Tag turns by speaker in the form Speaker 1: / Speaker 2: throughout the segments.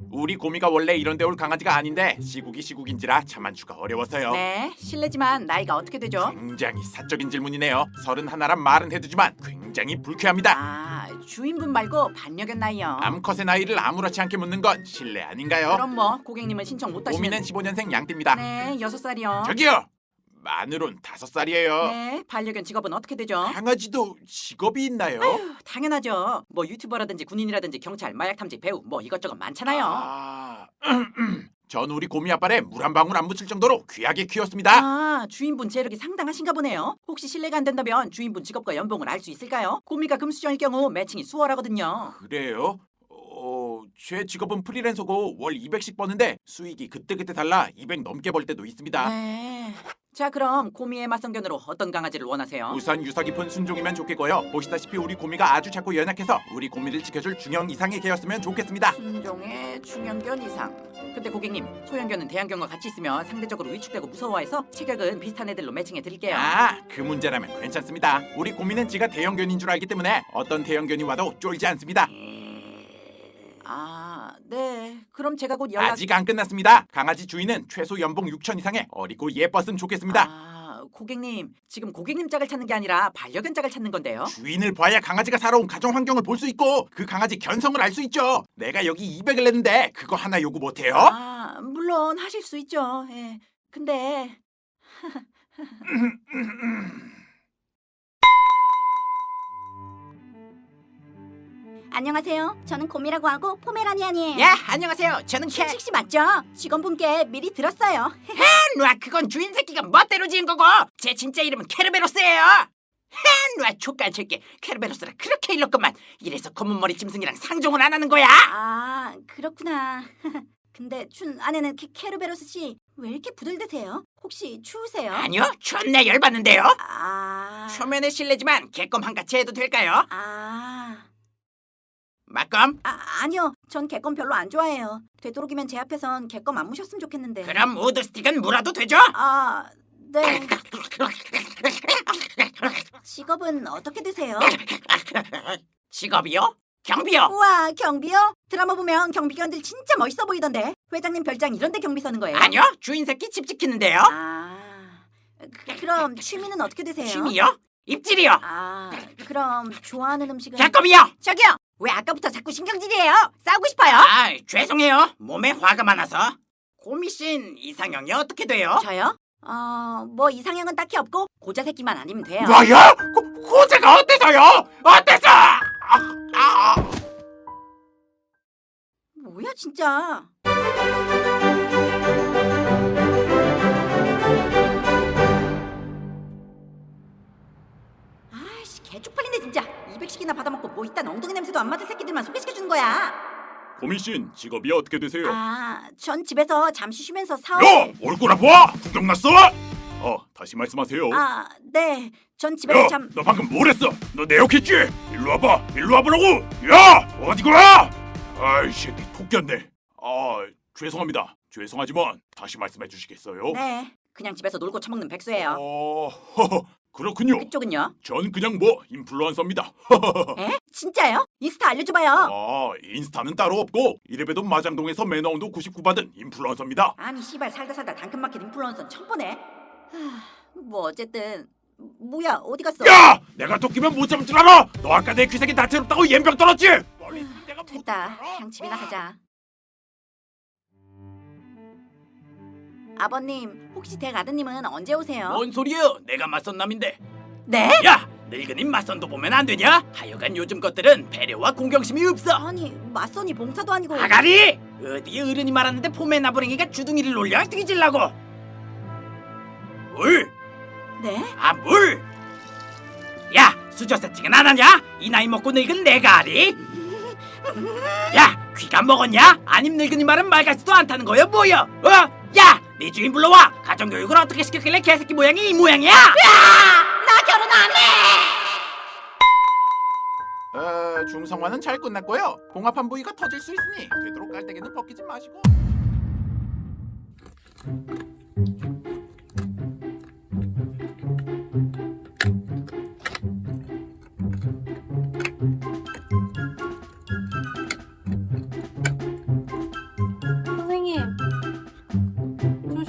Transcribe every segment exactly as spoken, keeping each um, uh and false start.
Speaker 1: 우리 고미가 원래 이런 데 올 강아지가 아닌데 시국이 시국인지라 자만추가 어려워서요.
Speaker 2: 네, 실례지만 나이가 어떻게 되죠?
Speaker 1: 굉장히 사적인 질문이네요. 서른 하나란 말은 해두지만 굉장히 불쾌합니다.
Speaker 2: 아, 주인분 말고 반려견 나이요.
Speaker 1: 암컷의 나이를 아무렇지 않게 묻는 건 실례 아닌가요?
Speaker 2: 그럼 뭐 고객님은 신청 못 하시는.
Speaker 1: 고미는 십오 년생 양띠입니다.
Speaker 2: 네, 여섯 살이요.
Speaker 1: 저기요! 마누론 다섯 살이에요.
Speaker 2: 네, 반려견 직업은 어떻게 되죠?
Speaker 1: 강아지도 직업이 있나요?
Speaker 2: 아휴, 당연하죠. 뭐 유튜버라든지 군인이라든지 경찰, 마약 탐지, 배우 뭐 이것저것 많잖아요.
Speaker 1: 아... 전 우리 고미 아빠를 물 한 방울 안 묻힐 정도로 귀하게 키웠습니다.
Speaker 2: 아, 주인분 재력이 상당하신가 보네요. 혹시 실례가 안 된다면 주인분 직업과 연봉을 알 수 있을까요? 고미가 금수저일 경우 매칭이 수월하거든요.
Speaker 1: 그래요? 어... 제 직업은 프리랜서고 월 이백씩 버는데 수익이 그때그때 달라 이백 넘게 벌 때도 있습니다.
Speaker 2: 네. 자, 그럼 고미의 맞성견으로 어떤 강아지를 원하세요?
Speaker 1: 우선 유서 깊은 순종이면 좋겠고요. 보시다시피 우리 고미가 아주 작고 연약해서 우리 고미를 지켜줄 중형 이상의 개였으면 좋겠습니다.
Speaker 2: 순종의 중형견 이상. 근데 고객님, 소형견은 대형견과 같이 있으면 상대적으로 위축되고 무서워해서 체격은 비슷한 애들로 매칭해 드릴게요.
Speaker 1: 아, 그 문제라면 괜찮습니다. 우리 고미는 지가 대형견인 줄 알기 때문에 어떤 대형견이 와도 쫄지 않습니다.
Speaker 2: 아, 네. 그럼 제가 곧 연락.
Speaker 1: 아직 안 끝났습니다. 강아지 주인은 최소 연봉 육천 이상의 어리고 예뻤으면 좋겠습니다.
Speaker 2: 아, 고객님, 지금 고객님 짝을 찾는 게 아니라 반려견 짝을 찾는 건데요.
Speaker 1: 주인을 봐야 강아지가 살아온 가정 환경을 볼 수 있고 그 강아지 견성을 알 수 있죠. 내가 여기 이백을 냈는데 그거 하나 요구 못해요?
Speaker 2: 아, 물론 하실 수 있죠. 예. 근데
Speaker 3: 안녕하세요. 저는 곰이라고 하고 포메라니안이에요.
Speaker 2: 야, 안녕하세요. 저는 캐.
Speaker 3: 춘식 씨 맞죠? 직원분께 미리 들었어요.
Speaker 2: 놔, 그건 주인 새끼가 멋대로 지은 거고 제 진짜 이름은 케르베로스예요. 놔, 족간 새끼. 케르베로스라 그렇게 일렀건만 이래서 검은 머리 짐승이랑 상종을 안 하는 거야.
Speaker 3: 아, 그렇구나. 근데 춘 아내는 케, 케르베로스 씨 왜 이렇게 부들드세요? 혹시 추우세요?
Speaker 2: 아니요, 존나 열받는데요.
Speaker 3: 아,
Speaker 2: 초면에 실례지만 개껌 한 가지 해도 될까요?
Speaker 3: 아,
Speaker 2: 막껌?
Speaker 3: 아, 아니요. 전 개껌 별로 안 좋아해요. 되도록이면 제 앞에선 개껌 안 무셨으면 좋겠는데.
Speaker 2: 그럼 우드 스틱은 물어도 되죠?
Speaker 3: 아, 네. 직업은 어떻게 되세요?
Speaker 2: 직업이요? 경비요.
Speaker 3: 우와, 경비요? 드라마 보면 경비견들 진짜 멋있어 보이던데. 회장님 별장 이런 데 경비 서는 거예요?
Speaker 2: 아니요, 주인 새끼 집 지키는데요.
Speaker 3: 아, 그, 그럼 취미는 어떻게 되세요?
Speaker 2: 취미요? 입질이요.
Speaker 3: 아, 그럼 좋아하는 음식은?
Speaker 2: 개껌이요.
Speaker 3: 저기요, 왜 아까부터 자꾸 신경질이에요? 싸우고 싶어요?
Speaker 2: 아, 죄송해요. 몸에 화가 많아서. 고미신 이상형이 어떻게 돼요?
Speaker 3: 저요? 어, 뭐 이상형은 딱히 없고 고자 새끼만 아니면 돼요.
Speaker 1: 뭐야? 고, 고자가 어때서요? 어때서? 아, 아.
Speaker 3: 뭐야 진짜? 아이씨, 개 쪽팔린데 진짜. 이백씩이나 받아먹고 뭐 이딴 엉덩이 냄새도 안 맡은 새끼들만 소개시켜주는 거야.
Speaker 1: 고민신 직업이 어떻게 되세요?
Speaker 3: 아, 전 집에서 잠시 쉬면서
Speaker 1: 야!
Speaker 3: 사업.
Speaker 1: 얼굴 아파! 구경 났어? 어, 다시 말씀하세요.
Speaker 3: 아, 네. 전 집에서
Speaker 1: 야!
Speaker 3: 잠.
Speaker 1: 너 방금 뭘 했어? 너 내 욕했지? 일로 와봐! 일로 와보라고! 야! 어디 가! 아이 새끼 토끼였네. 아, 죄송합니다. 죄송하지만 다시 말씀해 주시겠어요?
Speaker 3: 네. 그냥 집에서 놀고 처먹는 백수예요.
Speaker 1: 어... 허허, 그렇군요.
Speaker 3: 그쪽은요?
Speaker 1: 전 그냥 뭐 인플루언서입니다.
Speaker 3: 에? 진짜요? 인스타 알려줘봐요.
Speaker 1: 아, 인스타는 따로 없고 이래봬도 마장동에서 매너온도 구십구 받은 인플루언서입니다.
Speaker 3: 아니 씨발 살다 살다 당근마켓 인플루언서는 처음 보네. 하, 뭐 어쨌든 뭐야 어디 갔어?
Speaker 1: 야! 내가 토끼면 못 잡을 줄 알아! 너 아까 내 귀색이 다채롭다고 옌병 떨었지? 멀리 있으면 내가 못
Speaker 3: 됐다.
Speaker 1: 알아?
Speaker 3: 그냥 집이나 가자. 아버님 혹시 댁 아드님은 언제 오세요?
Speaker 2: 뭔 소리예요? 내가 맞선 남인데.
Speaker 3: 네?
Speaker 2: 야, 늙은이 맞선도 보면 안 되냐? 하여간 요즘 것들은 배려와 공경심이 없어.
Speaker 3: 아니 맞선이 봉사도 아니고.
Speaker 2: 아가리! 어디 어른이 말하는데 포메 나부랭이가 주둥이를 놀려 뒤질라고. 물!
Speaker 3: 네?
Speaker 2: 아, 물! 야, 수저 세팅은 안 하냐? 이 나이 먹고 늙은 내가 아리? 야, 귀가 먹었냐? 아님 늙은이 말은 말 같지도 않다는 거야 뭐야? 어? 야, 네 주인 불러와. 가정교육을 어떻게 시켰길래 개새끼 모양이 이 모양이야?
Speaker 3: 나 결혼 안 해!
Speaker 1: 어, 중성화는 잘 끝났고요. 봉합한 부위가 터질 수 있으니 되도록 깔때기는 벗기지 마시고.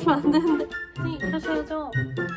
Speaker 4: 그러시면 안 되는데. 선생님 이러셔야죠.